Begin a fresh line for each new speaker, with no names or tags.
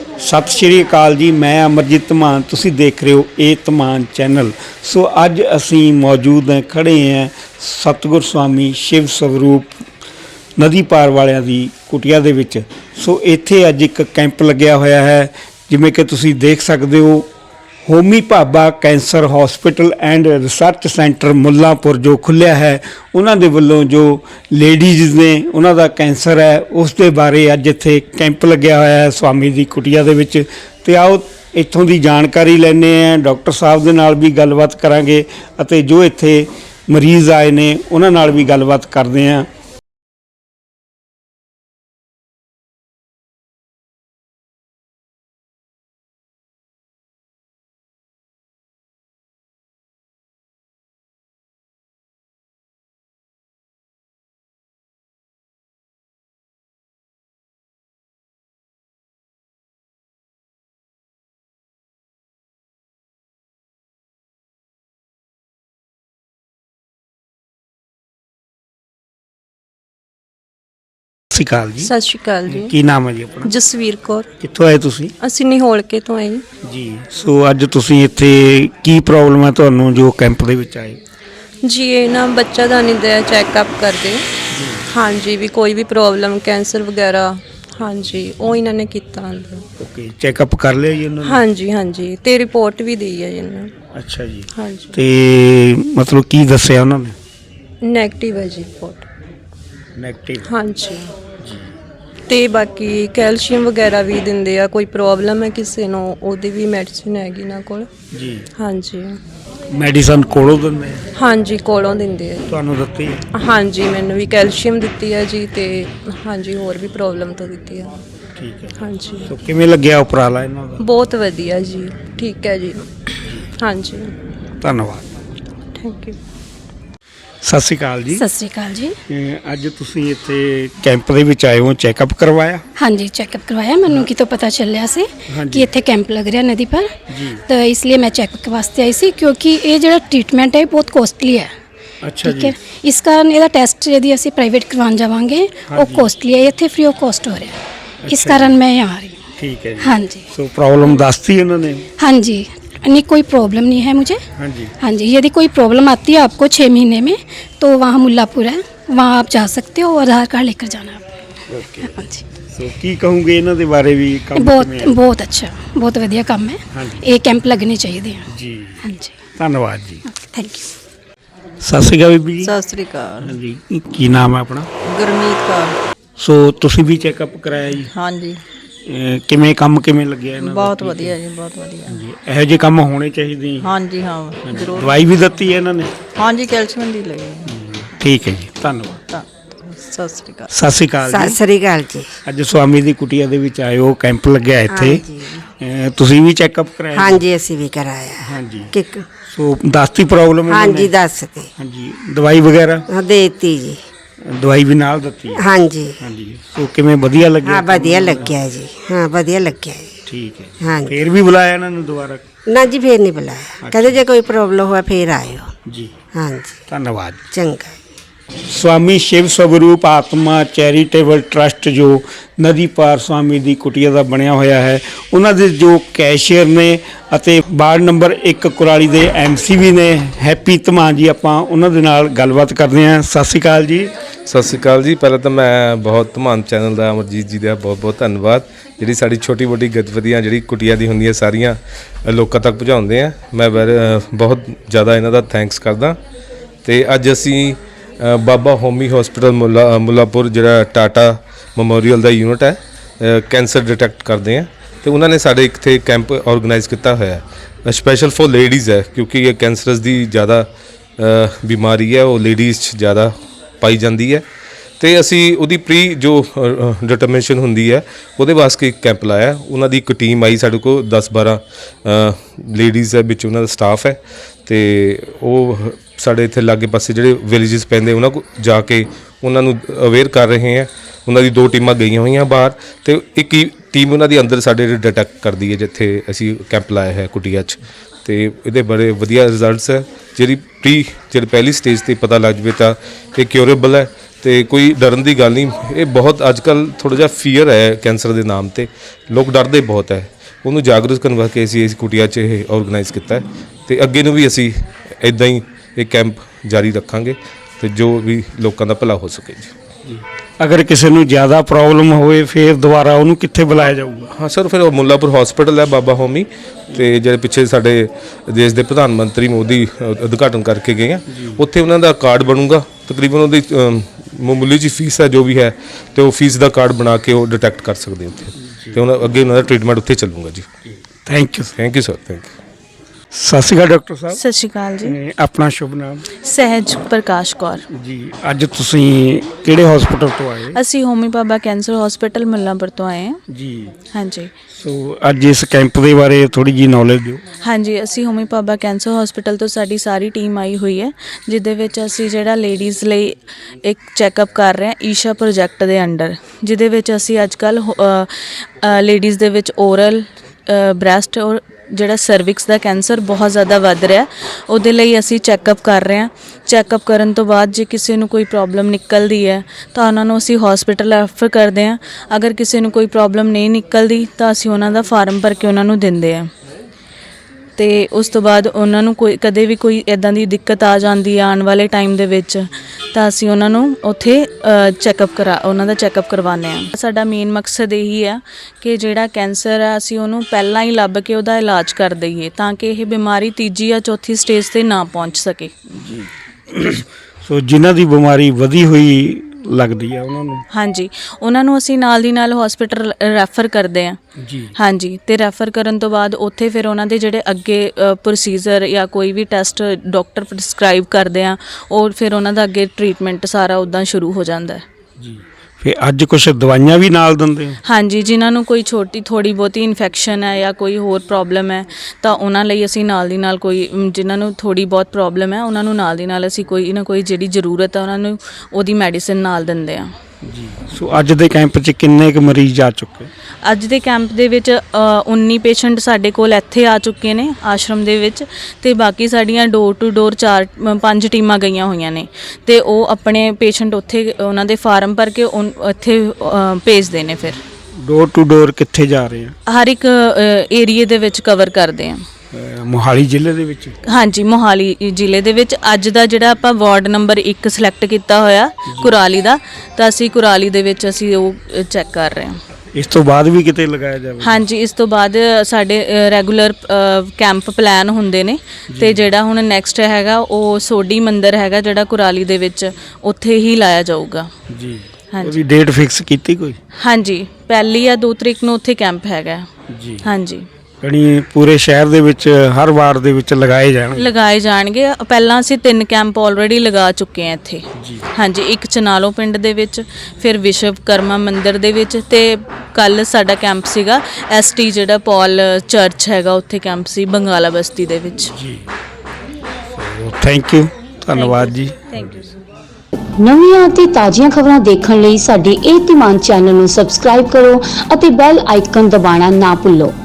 ਸਤਿ ਸ਼੍ਰੀ ਅਕਾਲ ਜੀ। ਮੈਂ ਅਮਰਜੀਤ ਧਮਾਨ, ਤੁਸੀਂ ਦੇਖ ਰਹੇ ਹੋ ਇਹ ਧਮਾਨ ਚੈਨਲ। ਸੋ ਅੱਜ ਅਸੀਂ ਮੌਜੂਦ ਹਾਂ, ਖੜੇ ਹਾਂ ਸਤਿਗੁਰ ਸਵਾਮੀ ਸ਼ਿਵ ਸਵਰੂਪ ਨਦੀ ਪਾਰ ਵਾਲਿਆਂ ਦੀ ਕੁਟੀਆ ਦੇ ਵਿੱਚ। ਸੋ ਇੱਥੇ ਅੱਜ ਇੱਕ ਕੈਂਪ ਲੱਗਿਆ ਹੋਇਆ ਹੈ, ਜਿਵੇਂ ਕਿ ਤੁਸੀਂ ਦੇਖ ਸਕਦੇ ਹੋ। Homi Bhabha cancer hospital and research centre Mullanpur ਜੋ ਖੁੱਲ੍ਹਿਆ ਹੈ, ਉਹਨਾਂ ਦੇ ਵੱਲੋਂ ਜੋ ਲੇਡੀਜ਼ ਨੇ ਉਹਨਾਂ ਦਾ ਕੈਂਸਰ ਹੈ, ਉਸ ਦੇ ਬਾਰੇ ਅੱਜ ਇੱਥੇ ਕੈਂਪ ਲੱਗਿਆ ਹੋਇਆ ਹੈ ਸਵਾਮੀ ਦੀ ਕੁਟੀਆ ਦੇ ਵਿੱਚ। ਅਤੇ ਆਓ ਇੱਥੋਂ ਦੀ ਜਾਣਕਾਰੀ ਲੈਂਦੇ ਹਾਂ, ਡਾਕਟਰ ਸਾਹਿਬ ਦੇ ਨਾਲ ਵੀ ਗੱਲਬਾਤ ਕਰਾਂਗੇ ਅਤੇ ਜੋ ਇੱਥੇ ਮਰੀਜ਼ ਆਏ ਨੇ ਉਹਨਾਂ ਨਾਲ ਵੀ ਗੱਲਬਾਤ ਕਰਦੇ ਹਾਂ। ਸਤਿ ਸ਼੍ਰੀ ਅਕਾਲ ਜੀ।
ਸਤਿ ਸ਼੍ਰੀ ਅਕਾਲ ਜੀ।
ਕੀ ਨਾਮ ਹੈ ਜੀ ਆਪਣਾ?
ਜਸਵੀਰ ਕੌਰ।
ਕਿੱਥੋਂ ਆਏ ਤੁਸੀਂ?
ਅਸੀਂ ਨਿਹੋਲਕੇ ਤੋਂ ਆਏ
ਜੀ। ਸੋ ਅੱਜ ਤੁਸੀਂ ਇੱਥੇ ਕੀ ਪ੍ਰੋਬਲਮ ਹੈ ਤੁਹਾਨੂੰ ਜੋ ਕੈਂਪ ਦੇ ਵਿੱਚ ਆਏ?
ਜੀ। ਇਹ ਨਾ ਬੱਚਾ ਦਾ ਨਹੀਂ ਦਾ ਚੈੱਕਅਪ ਕਰਦੇ। ਹਾਂਜੀ, ਵੀ ਕੋਈ ਵੀ ਪ੍ਰੋਬਲਮ ਕੈਂਸਰ ਵਗੈਰਾ, ਹਾਂਜੀ ਉਹ ਇਹਨਾਂ ਨੇ ਕੀਤਾ ਅੰਦਰ।
ਓਕੇ, ਚੈੱਕਅਪ ਕਰ ਲਿਆ ਜੀ ਉਹਨਾਂ ਨੇ?
ਹਾਂਜੀ ਹਾਂਜੀ, ਤੇ ਰਿਪੋਰਟ ਵੀ ਦੇਈ ਹੈ ਜੀ ਇਹਨਾਂ ਨੇ।
ਅੱਛਾ ਜੀ।
ਹਾਂਜੀ,
ਤੇ ਮਤਲਬ ਕੀ ਦੱਸਿਆ ਉਹਨਾਂ ਨੇ?
ਨੈਗੇਟਿਵ ਹੈ ਜੀ ਰਿਪੋਰਟ।
ਨੈਗੇਟਿਵ?
ਹਾਂਜੀ। ਤੇ ਬਾਕੀ ਕੈਲਸ਼ੀਅਮ ਵਗੈਰਾ ਵੀ ਦਿੰਦੇ ਆ, ਕੋਈ ਪ੍ਰੋਬਲਮ ਹੈ ਕਿਸੇ ਨੂੰ ਉਹਦੀ ਵੀ ਮੈਡੀਸਿਨ ਹੈਗੀ ਇਹਨਾਂ ਕੋਲ।
ਜੀ।
ਹਾਂਜੀ।
ਮੈਡੀਸਨ ਕੋਲੋਂ ਦਿੰਦੇ ਆ?
ਹਾਂਜੀ, ਕੋਲੋਂ ਦਿੰਦੇ ਆ।
ਤੁਹਾਨੂੰ ਦਿੱਤੀ?
ਹਾਂਜੀ, ਮੈਨੂੰ ਵੀ ਕੈਲਸ਼ੀਅਮ ਦਿੱਤੀ ਹੈ ਜੀ, ਤੇ ਹਾਂਜੀ ਹੋਰ ਵੀ ਪ੍ਰੋਬਲਮ ਤੋਂ ਦਿੱਤੀ ਹੈ।
ਠੀਕ ਹੈ।
ਹਾਂਜੀ।
ਸੋ ਕਿਵੇਂ ਲੱਗਿਆ ਉਪਰਾਲਾ ਇਹਨਾਂ ਦਾ?
ਬਹੁਤ ਵਧੀਆ ਜੀ, ਠੀਕ ਹੈ ਜੀ। ਹਾਂਜੀ,
ਧੰਨਵਾਦ।
Thank you.
ਸਤਿ ਸ਼੍ਰੀ ਅਕਾਲ ਜੀ।
ਸਤਿ ਸ਼੍ਰੀ ਅਕਾਲ ਜੀ।
ਅੱਜ ਤੁਸੀਂ ਇੱਥੇ ਕੈਂਪ ਦੇ ਵਿੱਚ ਆਏ ਹੋ, ਚੈੱਕਅਪ ਕਰਵਾਇਆ?
ਹਾਂਜੀ, ਚੈੱਕਅਪ ਕਰਵਾਇਆ। ਮੈਨੂੰ ਕਿਤੋਂ ਪਤਾ ਚੱਲਿਆ ਸੀ ਕਿ ਇੱਥੇ ਕੈਂਪ ਲੱਗ ਰਿਹਾ ਨਦੀ ਪਰ, ਤਾਂ ਇਸ ਲਈ ਮੈਂ ਚੈੱਕਅਪ ਵਾਸਤੇ ਆਈ ਸੀ, ਕਿਉਂਕਿ ਇਹ ਜਿਹੜਾ ਟ੍ਰੀਟਮੈਂਟ ਹੈ ਬਹੁਤ ਕੋਸਟਲੀ ਹੈ।
ਅੱਛਾ
ਠੀਕ
ਜੀ।
ਹੈ, ਇਸ ਕਾਰਨ ਇਹਦਾ ਟੈਸਟ ਯਦੀ ਅਸੀਂ ਪ੍ਰਾਈਵੇਟ ਕਰਵਾਉਣ ਜਾਵਾਂਗੇ ਉਹ ਕੋਸਟਲੀ ਹੈ, ਇੱਥੇ ਫ੍ਰੀ ਆਫ ਕੋਸਟ ਹੋ ਰਿਹਾ। ਇਸ ਕਾਰਨ ਮੈਂ यहाँ आ रही हूँ।
ठीक है जी।
हाँ जी।
सो प्रॉब्लम ਦੱਸਤੀ ਉਹਨਾਂ ਨੇ?
हाँ जी, नहीं कोई प्रॉब्लम नहीं है मुझे।
हाँ जी।
हाँ जी, यदि कोई प्रॉब्लम आती है आपको 6 महीने में, तो वहाँ मुल्लापुर है, वहाँ आप जा सकते हो, आधार कार्ड लेकर जाना है।
ओके।
हाँ जी।
सो की कहूँगे ਇਹਨਾਂ ਦੇ ਬਾਰੇ ਵੀ? ਕੰਮ
बहुत बहुत अच्छा, बहुत ਵਧੀਆ ਕੰਮ ਹੈ।
हाँ जी।
ਇਹ ਕੈਂਪ ਲੱਗਣੇ ਚਾਹੀਦੇ ਆ।
ਜੀ।
हाँ जी।
ਧੰਨਵਾਦ ਜੀ।
Thank you.
ਸਤਿ ਸ਼੍ਰੀ ਅਕਾਲ ਬੀਬੀ ਜੀ।
ਸਤਿ ਸ੍ਰੀ ਅਕਾਲ।
ਹਾਂਜੀ, ਕੀ ਨਾਮ ਹੈ ਆਪਣਾ?
ਗੁਰਮੀਤ ਕੌਰ।
ਸੋ ਤੁਸੀਂ ਵੀ ਚੈੱਕਅਪ ਕਰਾਇਆ ਜੀ?
ਹਾਂਜੀ,
ਕਿਵੇਂ ਕੰਮ ਕਿਵੇਂ ਲੱਗਿਆ ਇਹਨਾਂ ਦਾ?
ਬਹੁਤ ਵਧੀਆ ਜੀ, ਬਹੁਤ ਵਧੀਆ।
ਜੀ, ਇਹੋ ਜਿਹੇ ਕੰਮ ਹੋਣੇ ਚਾਹੀਦੇ ਜੀ।
ਹਾਂਜੀ ਹਾਂ, ਜ਼ਰੂਰ।
ਦਵਾਈ ਵੀ ਦਿੱਤੀ ਹੈ ਇਹਨਾਂ ਨੇ?
ਹਾਂਜੀ, ਕੈਲਸ਼ੀਅਮ ਦੀ ਲਈ।
ਠੀਕ ਹੈ ਜੀ, ਧੰਨਵਾਦ।
ਸਤਿ ਸ੍ਰੀ ਅਕਾਲ।
ਸਤਿ ਸ਼੍ਰੀ ਅਕਾਲ
ਸਤਿ
ਜੀ।
ਸ੍ਰੀ ਅਕਾਲ ਜੀ।
ਅੱਜ ਸਵਾਮੀ ਦੀ ਕੁਟੀਆ ਦੇ ਵਿੱਚ ਆਏ ਹੋ, ਕੈਂਪ ਲੱਗਿਆ ਇੱਥੇ। ਤੁਸੀਂ ਵੀ ਚੈੱਕਅਪ ਕਰਾਇਆ?
ਹਾਂਜੀ, ਅਸੀਂ ਵੀ ਕਰਾਇਆ।
ਹਾਂਜੀ।
ਕਿਕ
ਸੋ ਦੱਸਤੀ ਪ੍ਰੋਬਲਮ?
ਹਾਂਜੀ, ਦੱਸਦੇ।
ਹਾਂਜੀ, ਦਵਾਈ ਵਗੈਰਾ?
ਹਾਂ, ਦੇਤੀ ਜੀ।
ਦਵਾਈ ਵੀ ਨਾਲ ਦਿੱਤੀ?
ਹਾਂਜੀ
ਹਾਂਜੀ। ਸੋ ਕਿਵੇਂ, ਵਧੀਆ ਲੱਗਿਆ?
ਹਾਂ, ਵਧੀਆ ਲੱਗਿਆ ਜੀ। ਹਾਂ, ਵਧੀਆ ਲੱਗਿਆ ਜੀ।
ਠੀਕ ਹੈ।
ਹਾਂਜੀ।
ਫੇਰ ਵੀ ਬੁਲਾਇਆ ਇਹਨਾਂ ਨੂੰ ਦੁਬਾਰਾ?
ਨਾ ਜੀ, ਫੇਰ ਨਹੀਂ ਬੁਲਾਇਆ। ਕਹਿੰਦੇ ਜੇ ਕੋਈ ਪ੍ਰੋਬਲਮ ਹੋਇਆ ਫੇਰ ਆਇਓ।
ਜੀ।
ਹਾਂਜੀ,
ਧੰਨਵਾਦ।
ਚੰਗਾ।
ਸਵਾਮੀ ਸ਼ਿਵ ਸਵਰੂਪ ਆਤਮਾ ਚੈਰੀਟੇਬਲ ਟਰਸਟ ਜੋ ਨਦੀ ਪਾਰ ਸਵਾਮੀ ਦੀ ਕੁਟੀਆ ਦਾ ਬਣਿਆ ਹੋਇਆ ਹੈ, ਉਹਨਾਂ ਦੇ ਜੋ ਕੈਸ਼ੀਅਰ ਨੇ ਅਤੇ ਵਾਰਡ ਨੰਬਰ 1 ਕੁਰਾਲੀ ਦੇ MC ਵੀ ਨੇ, ਹੈਪੀ ਧਮਾਨ ਜੀ। ਆਪਾਂ ਉਹਨਾਂ ਦੇ ਨਾਲ ਗੱਲਬਾਤ ਕਰਦੇ ਹਾਂ। ਸਤਿ ਸ਼੍ਰੀ ਅਕਾਲ ਜੀ।
ਸਤਿ ਸ਼੍ਰੀ ਅਕਾਲ ਜੀ। ਪਹਿਲਾਂ ਤਾਂ ਮੈਂ ਬਹੁਤ ਧਮਾਨ ਚੈਨਲ ਦਾ, ਅਮਰਜੀਤ ਜੀ ਦਾ ਬਹੁਤ ਬਹੁਤ ਧੰਨਵਾਦ, ਜਿਹੜੀ ਸਾਡੀ ਛੋਟੀ ਮੋਟੀ ਗਤੀਵਿਧੀਆਂ ਜਿਹੜੀ ਕੁਟੀਆ ਦੀ ਹੁੰਦੀਆਂ ਸਾਰੀਆਂ ਲੋਕਾਂ ਤੱਕ ਪਹੁੰਚਾਉਂਦੇ ਆ। ਮੈਂ ਬਹੁਤ ਜ਼ਿਆਦਾ ਇਹਨਾਂ ਦਾ ਥੈਂਕਸ ਕਰਦਾ। ਅਤੇ ਅੱਜ ਅਸੀਂ ਬਾਬਾ ਹੋਮੀ ਹੌਸਪੀਟਲ ਮੁੱਲਾਪੁਰ, ਜਿਹੜਾ ਟਾਟਾ ਮੈਮੋਰੀਅਲ ਦਾ ਯੂਨਿਟ ਹੈ, ਕੈਂਸਰ ਡਿਟੈਕਟ ਕਰਦੇ ਆ, ਅਤੇ ਉਹਨਾਂ ਨੇ ਸਾਡੇ ਇੱਥੇ ਕੈਂਪ ਔਰਗਨਾਈਜ਼ ਕੀਤਾ ਹੋਇਆ ਸਪੈਸ਼ਲ ਫॉर ਲੇਡੀਜ਼ ਹੈ, ਕਿਉਂਕਿ ਇਹ ਕੈਂਸਰਸ ਦੀ ਜ਼ਿਆਦਾ ਬਿਮਾਰੀ ਹੈ, ਉਹ ਲੇਡੀਜ਼ 'ਚ ਜ਼ਿਆਦਾ ਪਾਈ ਜਾਂਦੀ ਹੈ। ਅਤੇ ਅਸੀਂ ਉਹਦੀ ਪ੍ਰੀ ਜੋ ਡਿਟਰਮੀਨੇਸ਼ਨ ਹੁੰਦੀ ਹੈ, ਉਹਦੇ ਵਾਸਤੇ ਇੱਕ ਕੈਂਪ ਲਾਇਆ। ਉਹਨਾਂ ਦੀ ਇੱਕ ਟੀਮ ਆਈ ਸਾਡੇ ਕੋਲ, 10-12 ਲੇਡੀਜ਼ ਹੈ, ਵਿੱਚ ਉਹਨਾਂ ਦਾ ਸਟਾਫ ਹੈ, ਅਤੇ ਉਹ ਸਾਡੇ ਇੱਥੇ ਲਾਗੇ ਪਾਸੇ ਜਿਹੜੇ ਵਿਲੇਜਸ ਪੈਂਦੇ ਉਹਨਾਂ ਕੋਲ ਜਾ ਕੇ ਉਹਨਾਂ ਨੂੰ ਅਵੇਅਰ ਕਰ ਰਹੇ ਹੈ। ਉਹਨਾਂ ਦੀ 2 ਟੀਮਾਂ ਗਈਆਂ ਹੋਈਆਂ ਬਾਹਰ, ਅਤੇ ਇੱਕ ਹੀ ਟੀਮ ਉਹਨਾਂ ਦੀ ਅੰਦਰ ਸਾਡੇ ਡਿਟੈਕਟ ਕਰਦੀ ਹੈ ਜਿੱਥੇ ਅਸੀਂ ਕੈਂਪ ਲਾਇਆ ਹੈ ਕੁਟੀਆ 'ਚ। ਅਤੇ ਇਹਦੇ ਬੜੇ ਵਧੀਆ ਰਿਜ਼ਲਟਸ ਹੈ। ਜਿਹੜੀ ਪਹਿਲੀ ਸਟੇਜ 'ਤੇ ਪਤਾ ਲੱਗ ਜਾਵੇ ਤਾਂ ਇਹ ਕਿਉਰੇਬਲ ਹੈ, ਤੇ ਕੋਈ ਡਰਨ ਦੀ ਗੱਲ ਨਹੀਂ। ਇਹ ਬਹੁਤ ਅੱਜ ਕੱਲ ਥੋੜਾ ਜਿਹਾ ਫੀਅਰ ਹੈ ਕੈਂਸਰ ਦੇ ਨਾਮ ਤੇ, ਲੋਕ ਡਰਦੇ ਬਹੁਤ ਹੈ। ਉਹਨੂੰ ਜਾਗਰੂਕ ਕਰਨ ਵਾਸਤੇ ਅਸੀਂ ਇਸ ਕੁਟੀਆ 'ਚ ਇਹ ਆਰਗੇਨਾਈਜ਼ ਕੀਤਾ ਹੈ ਤੇ ਅੱਗੇ ਨੂੰ ਵੀ ਅਸੀਂ ਇਦਾਂ ਹੀ ਇਹ ਕੈਂਪ ਜਾਰੀ ਰੱਖਾਂਗੇ ਤੇ ਜੋ ਵੀ ਲੋਕਾਂ ਦਾ ਭਲਾ ਹੋ ਸਕੇ ਜੀ।
ਅਗਰ ਕਿਸੇ ਨੂੰ ਜ਼ਿਆਦਾ ਪ੍ਰੋਬਲਮ ਹੋਵੇ ਫਿਰ ਦੁਬਾਰਾ ਉਹਨੂੰ ਕਿੱਥੇ ਬੁਲਾਇਆ ਜਾਊਗਾ?
ਹਾਂ ਸਰ, ਫਿਰ ਉਹ ਮੁੱਲਾਪੁਰ ਹਸਪੀਟਲ ਹੈ ਬਾਬਾ ਹੋਮੀ, ਤੇ ਜਿਹੜੇ ਪਿੱਛੇ ਸਾਡੇ ਦੇਸ਼ ਦੇ ਪ੍ਰਧਾਨ ਮੰਤਰੀ ਮੋਦੀ ਉਦਘਾਟਨ ਕਰਕੇ ਗਏ ਆ, ਉੱਥੇ ਉਹਨਾਂ ਦਾ ਕਾਰਡ ਬਣੂਗਾ। ਤਕਰੀਬਨ ਉਹਦੀ ਮਾਮੂਲੀ ਜਿਹੀ ਫੀਸ ਹੈ ਜੋ ਵੀ ਹੈ, ਤੇ ਉਹ ਫੀਸ ਦਾ ਕਾਰਡ ਬਣਾ ਕੇ ਉਹ ਡਿਟੈਕਟ ਕਰ ਸਕਦੇ ਉੱਥੇ, ਤੇ ਉਹਨਾਂ ਅੱਗੇ ਉਹਨਾਂ ਦਾ ਟ੍ਰੀਟਮੈਂਟ ਉੱਥੇ ਚੱਲੂਗਾ ਜੀ।
Thank you.
Thank you sir, thank you.
Sat Sri Akal doctor ਸਾਹਿਬ।
ਸਤਿ ਸ਼੍ਰੀ ਅਕਾਲ ਜੀ।
ਆਪਣਾ ਸ਼ੁਭ ਨਾਮ?
ਸਹਿਜ ਪ੍ਰਕਾਸ਼ ਕੌਰ।
ਜੀ, ਅੱਜ ਤੁਸੀਂ ਕਿਹੜੇ ਹਸਪੀਟਲ ਤੋਂ ਆਏ?
ਅਸੀਂ ਹੋਮੀ ਬਾਬਾ ਕੈਂਸਰ ਹਸਪੀਟਲ ਮੁੱਲਾਂਪੁਰ ਤੋਂ ਆਏ ਹਾਂ
ਜੀ।
ਹਾਂਜੀ।
ਸੋ ਅੱਜ ਇਸ ਕੈਂਪ ਦੇ ਬਾਰੇ ਥੋੜੀ ਜੀ ਨੌਲੇਜ ਦਿਓ।
ਹਾਂਜੀ, ਅਸੀਂ ਹੋਮੀ ਬਾਬਾ ਕੈਂਸਰ ਹਸਪੀਟਲ ਤੋਂ ਸਾਡੀ ਸਾਰੀ ਟੀਮ ਆਈ ਹੋਈ ਹੈ, ਜਿਹਦੇ ਵਿੱਚ ਅਸੀਂ ਜਿਹੜਾ ਲੇਡੀਜ਼ ਲਈ ਇੱਕ ਚੈੱਕਅਪ ਕਰ ਰਹੇ ਹਾਂ ਈਸ਼ਾ ਪ੍ਰੋਜੈਕਟ ਦੇ ਅੰਡਰ, ਜਿਹਦੇ ਵਿੱਚ ਅਸੀਂ ਅੱਜ ਕੱਲ੍ਹ ਲੇਡੀਜ਼ ਦੇ ਵਿੱਚ ਓਰਲ, ਬ੍ਰੈਸਟ ਔਰ ਜਿਹੜਾ ਸਰਵਿਕਸ ਦਾ ਕੈਂਸਰ ਬਹੁਤ ਜ਼ਿਆਦਾ ਵੱਧ ਰਿਹਾ, ਉਹਦੇ ਲਈ ਅਸੀਂ ਚੈੱਕਅਪ ਕਰ ਰਹੇ ਹਾਂ। ਚੈੱਕਅਪ ਕਰਨ ਤੋਂ ਬਾਅਦ ਜੇ ਕਿਸੇ ਨੂੰ ਕੋਈ ਪ੍ਰੋਬਲਮ ਨਿਕਲਦੀ ਹੈ ਤਾਂ ਉਹਨਾਂ ਨੂੰ ਅਸੀਂ ਹਸਪੀਟਲ ਰੈਫਰ ਕਰਦੇ ਹਾਂ। ਅਗਰ ਕਿਸੇ ਨੂੰ ਕੋਈ ਪ੍ਰੋਬਲਮ ਨਹੀਂ ਨਿਕਲਦੀ ਤਾਂ ਅਸੀਂ ਉਹਨਾਂ ਦਾ ਫਾਰਮ ਭਰ ਕੇ ਉਹਨਾਂ ਨੂੰ ਦਿੰਦੇ ਹਾਂ, ਤੇ ਉਸ ਤੋਂ ਬਾਅਦ ਉਹਨਾਂ ਨੂੰ ਕਦੇ ਵੀ ਕੋਈ ਇੱਦਾਂ ਦੀ ਦਿੱਕਤ ਆ ਜਾਂਦੀ ਹੈ ਆਉਣ ਵਾਲੇ ਟਾਈਮ ਦੇ ਵਿੱਚ, ਤਾਂ ਅਸੀਂ ਉਹਨਾਂ ਨੂੰ ਉੱਥੇ ਉਹਨਾਂ ਦਾ ਚੈੱਕਅਪ ਕਰਵਾਉਂਦੇ ਹਾਂ। ਸਾਡਾ ਮੇਨ ਮਕਸਦ ਇਹੀ ਆ ਕਿ ਜਿਹੜਾ ਕੈਂਸਰ ਆ ਅਸੀਂ ਉਹਨੂੰ ਪਹਿਲਾਂ ਹੀ ਲੱਭ ਕੇ ਉਹਦਾ ਇਲਾਜ ਕਰ ਦਈਏ, ਤਾਂ ਕਿ ਇਹ ਬਿਮਾਰੀ ਤੀਜੀ ਜਾਂ ਚੌਥੀ ਸਟੇਜ 'ਤੇ ਨਾ ਪਹੁੰਚ ਸਕੇ।
ਸੋ ਜਿਨ੍ਹਾਂ ਦੀ ਬਿਮਾਰੀ ਵਧੀ ਹੋਈ ਲੱਗਦੀ ਆ ਉਹਨਾਂ ਨੂੰ,
ਹਾਂਜੀ, ਉਹਨਾਂ ਨੂੰ ਅਸੀਂ ਨਾਲ ਦੀ ਨਾਲ ਹਸਪੀਟਲ ਰੈਫਰ ਕਰਦੇ ਹਾਂ
ਜੀ।
ਹਾਂਜੀ, ਤੇ ਰੈਫਰ ਕਰਨ ਤੋਂ ਬਾਅਦ ਉੱਥੇ ਫਿਰ ਉਹਨਾਂ ਦੇ ਜਿਹੜੇ ਅੱਗੇ ਪ੍ਰੋਸੀਜਰ ਜਾਂ ਕੋਈ ਵੀ ਟੈਸਟ ਡਾਕਟਰ ਪ੍ਰਿਸਕ੍ਰਾਈਬ ਕਰਦੇ ਆ, ਉਹ ਫਿਰ ਉਹਨਾਂ ਦਾ ਅੱਗੇ ਟ੍ਰੀਟਮੈਂਟ ਸਾਰਾ ਉੱਦਾਂ ਸ਼ੁਰੂ ਹੋ ਜਾਂਦਾ ਹੈ
ਜੀ। ਫਿਰ ਅੱਜ ਕੁਝ ਦਵਾਈਆਂ ਵੀ ਨਾਲ ਦਿੰਦੇ ਹੋ?
ਹਾਂਜੀ, ਜਿਨ੍ਹਾਂ ਨੂੰ ਕੋਈ ਥੋੜੀ ਬਹੁਤੀ ਇਨਫੈਕਸ਼ਨ ਹੈ ਜਾਂ ਕੋਈ ਹੋਰ ਪ੍ਰੋਬਲਮ ਹੈ ਤਾਂ ਉਹਨਾਂ ਲਈ ਅਸੀਂ ਨਾਲ ਦੀ ਨਾਲ ਜਿਨ੍ਹਾਂ ਨੂੰ ਥੋੜੀ ਬਹੁਤ ਪ੍ਰੋਬਲਮ ਹੈ ਉਹਨਾਂ ਨੂੰ ਨਾਲ ਦੀ ਨਾਲ ਅਸੀਂ ਕੋਈ ਨਾ ਕੋਈ ਜਿਹੜੀ ਜ਼ਰੂਰਤ ਹੈ ਉਹਨਾਂ ਨੂੰ ਉਹਦੀ ਮੈਡੀਸਿਨ ਨਾਲ ਦਿੰਦੇ ਹਾਂ
ਜੀ। ਸੋ ਅੱਜ ਦੇ ਕੈਂਪ 'ਚ ਕਿੰਨੇ ਕੁ ਮਰੀਜ਼ ਆ ਚੁੱਕੇ?
ਅੱਜ ਦੇ ਕੈਂਪ ਦੇ ਵਿੱਚ 19 ਪੇਸ਼ੈਂਟ ਸਾਡੇ ਕੋਲ ਇੱਥੇ ਆ ਚੁੱਕੇ ਨੇ ਆਸ਼ਰਮ ਦੇ ਵਿੱਚ, ਤੇ ਬਾਕੀ ਸਾਡੀਆਂ ਡੋਰ ਟੂ ਡੋਰ 5 ਟੀਮਾਂ ਗਈਆਂ ਹੋਈਆਂ ਨੇ, ਤੇ ਉਹ ਆਪਣੇ ਪੇਸ਼ੈਂਟ ਉੱਥੇ ਉਹਨਾਂ ਦੇ ਫਾਰਮ ਭਰ ਕੇ ਇੱਥੇ ਭੇਜਦੇ ਨੇ। ਫਿਰ
ਡੋਰ ਟੂ ਡੋਰ ਕਿੱਥੇ ਜਾ ਰਹੇ ਆ?
ਹਰ ਇੱਕ ਏਰੀਏ ਦੇ ਵਿੱਚ ਕਵਰ ਕਰਦੇ ਆ।
ਮੋਹਾਲੀ ਜ਼ਿਲ੍ਹੇ ਦੇ ਵਿੱਚ?
ਹਾਂਜੀ, ਮੋਹਾਲੀ ਜ਼ਿਲ੍ਹੇ ਦੇ ਵਿੱਚ। ਅੱਜ ਦਾ ਜਿਹੜਾ ਆਪਾਂ ਵਾਰਡ ਨੰਬਰ 1 ਸਿਲੈਕਟ ਕੀਤਾ ਹੋਇਆ ਕੁਰਾਲੀ ਦਾ, ਤਾਂ ਅਸੀਂ ਕੁਰਾਲੀ ਦੇ ਵਿੱਚ ਅਸੀਂ ਉਹ ਚੈੱਕ ਕਰ ਰਹੇ ਹਾਂ।
ਇਸ ਤੋਂ ਬਾਅਦ ਵੀ ਕਿਤੇ ਲਗਾਇਆ ਜਾਵੇ?
ਹਾਂਜੀ, ਇਸ ਤੋਂ ਬਾਅਦ ਸਾਡੇ ਰੈਗੂਲਰ ਕੈਂਪ ਪਲਾਨ ਹੁੰਦੇ ਨੇ, ਤੇ ਜਿਹੜਾ ਹੁਣ ਨੈਕਸਟ ਹੈਗਾ ਉਹ ਸੋਢੀ ਮੰਦਿਰ ਹੈਗਾ ਜਿਹੜਾ ਕੁਰਾਲੀ ਦੇ ਵਿੱਚ, ਉੱਥੇ ਹੀ ਲਾਇਆ ਜਾਊਗਾ
ਜੀ।
ਹਾਂਜੀ।
ਉਹਦੀ ਡੇਟ ਫਿਕਸ ਕੀਤੀ ਕੋਈ?
ਹਾਂਜੀ, 1 ਜਾਂ 2 ਤਰੀਕ ਨੂੰ ਉੱਥੇ ਕੈਂਪ ਹੈਗਾ
ਜੀ।
ਹਾਂਜੀ,
ਯਾਨੀ ਪੂਰੇ ਸ਼ਹਿਰ ਦੇ ਵਿੱਚ ਹਰ ਵਾਰਡ ਦੇ ਵਿੱਚ ਲਗਾਏ
ਜਾਣਗੇ। ਪਹਿਲਾਂ ਅਸੀਂ 3 ਕੈਂਪ ਆਲਰੇਡੀ ਲਗਾ ਚੁੱਕੇ ਹਾਂ ਇੱਥੇ। ਹਾਂਜੀ, ਇੱਕ ਚਨਾਲੋ ਪਿੰਡ ਦੇ ਵਿੱਚ, ਫਿਰ ਵਿਸ਼ਵਕਰਮਾ ਮੰਦਿਰ ਦੇ ਵਿੱਚ, ਤੇ ਕੱਲ ਸਾਡਾ ਕੈਂਪ ਸੀਗਾ ST ਜਿਹੜਾ ਪੌਲ ਚਰਚ ਹੈਗਾ ਉੱਥੇ ਕੈਂਪ ਸੀ ਬੰਗਾਲਾ ਬਸਤੀ ਦੇ ਵਿੱਚ
ਜੀ। ਥੈਂਕ ਯੂ, ਧੰਨਵਾਦ ਜੀ।
Thank you.
ਨਵੀਆਂ ਅਤੇ ਤਾਜ਼ੀਆਂ ਖਬਰਾਂ ਦੇਖਣ ਲਈ ਸਾਡੇ ਇਹ ਧੀਮਾਨ ਚੈਨਲ ਨੂੰ ਸਬਸਕ੍ਰਾਈਬ ਕਰੋ ਅਤੇ ਬੈਲ ਆਈਕਨ ਦਬਾਉਣਾ ਨਾ ਭੁੱਲੋ।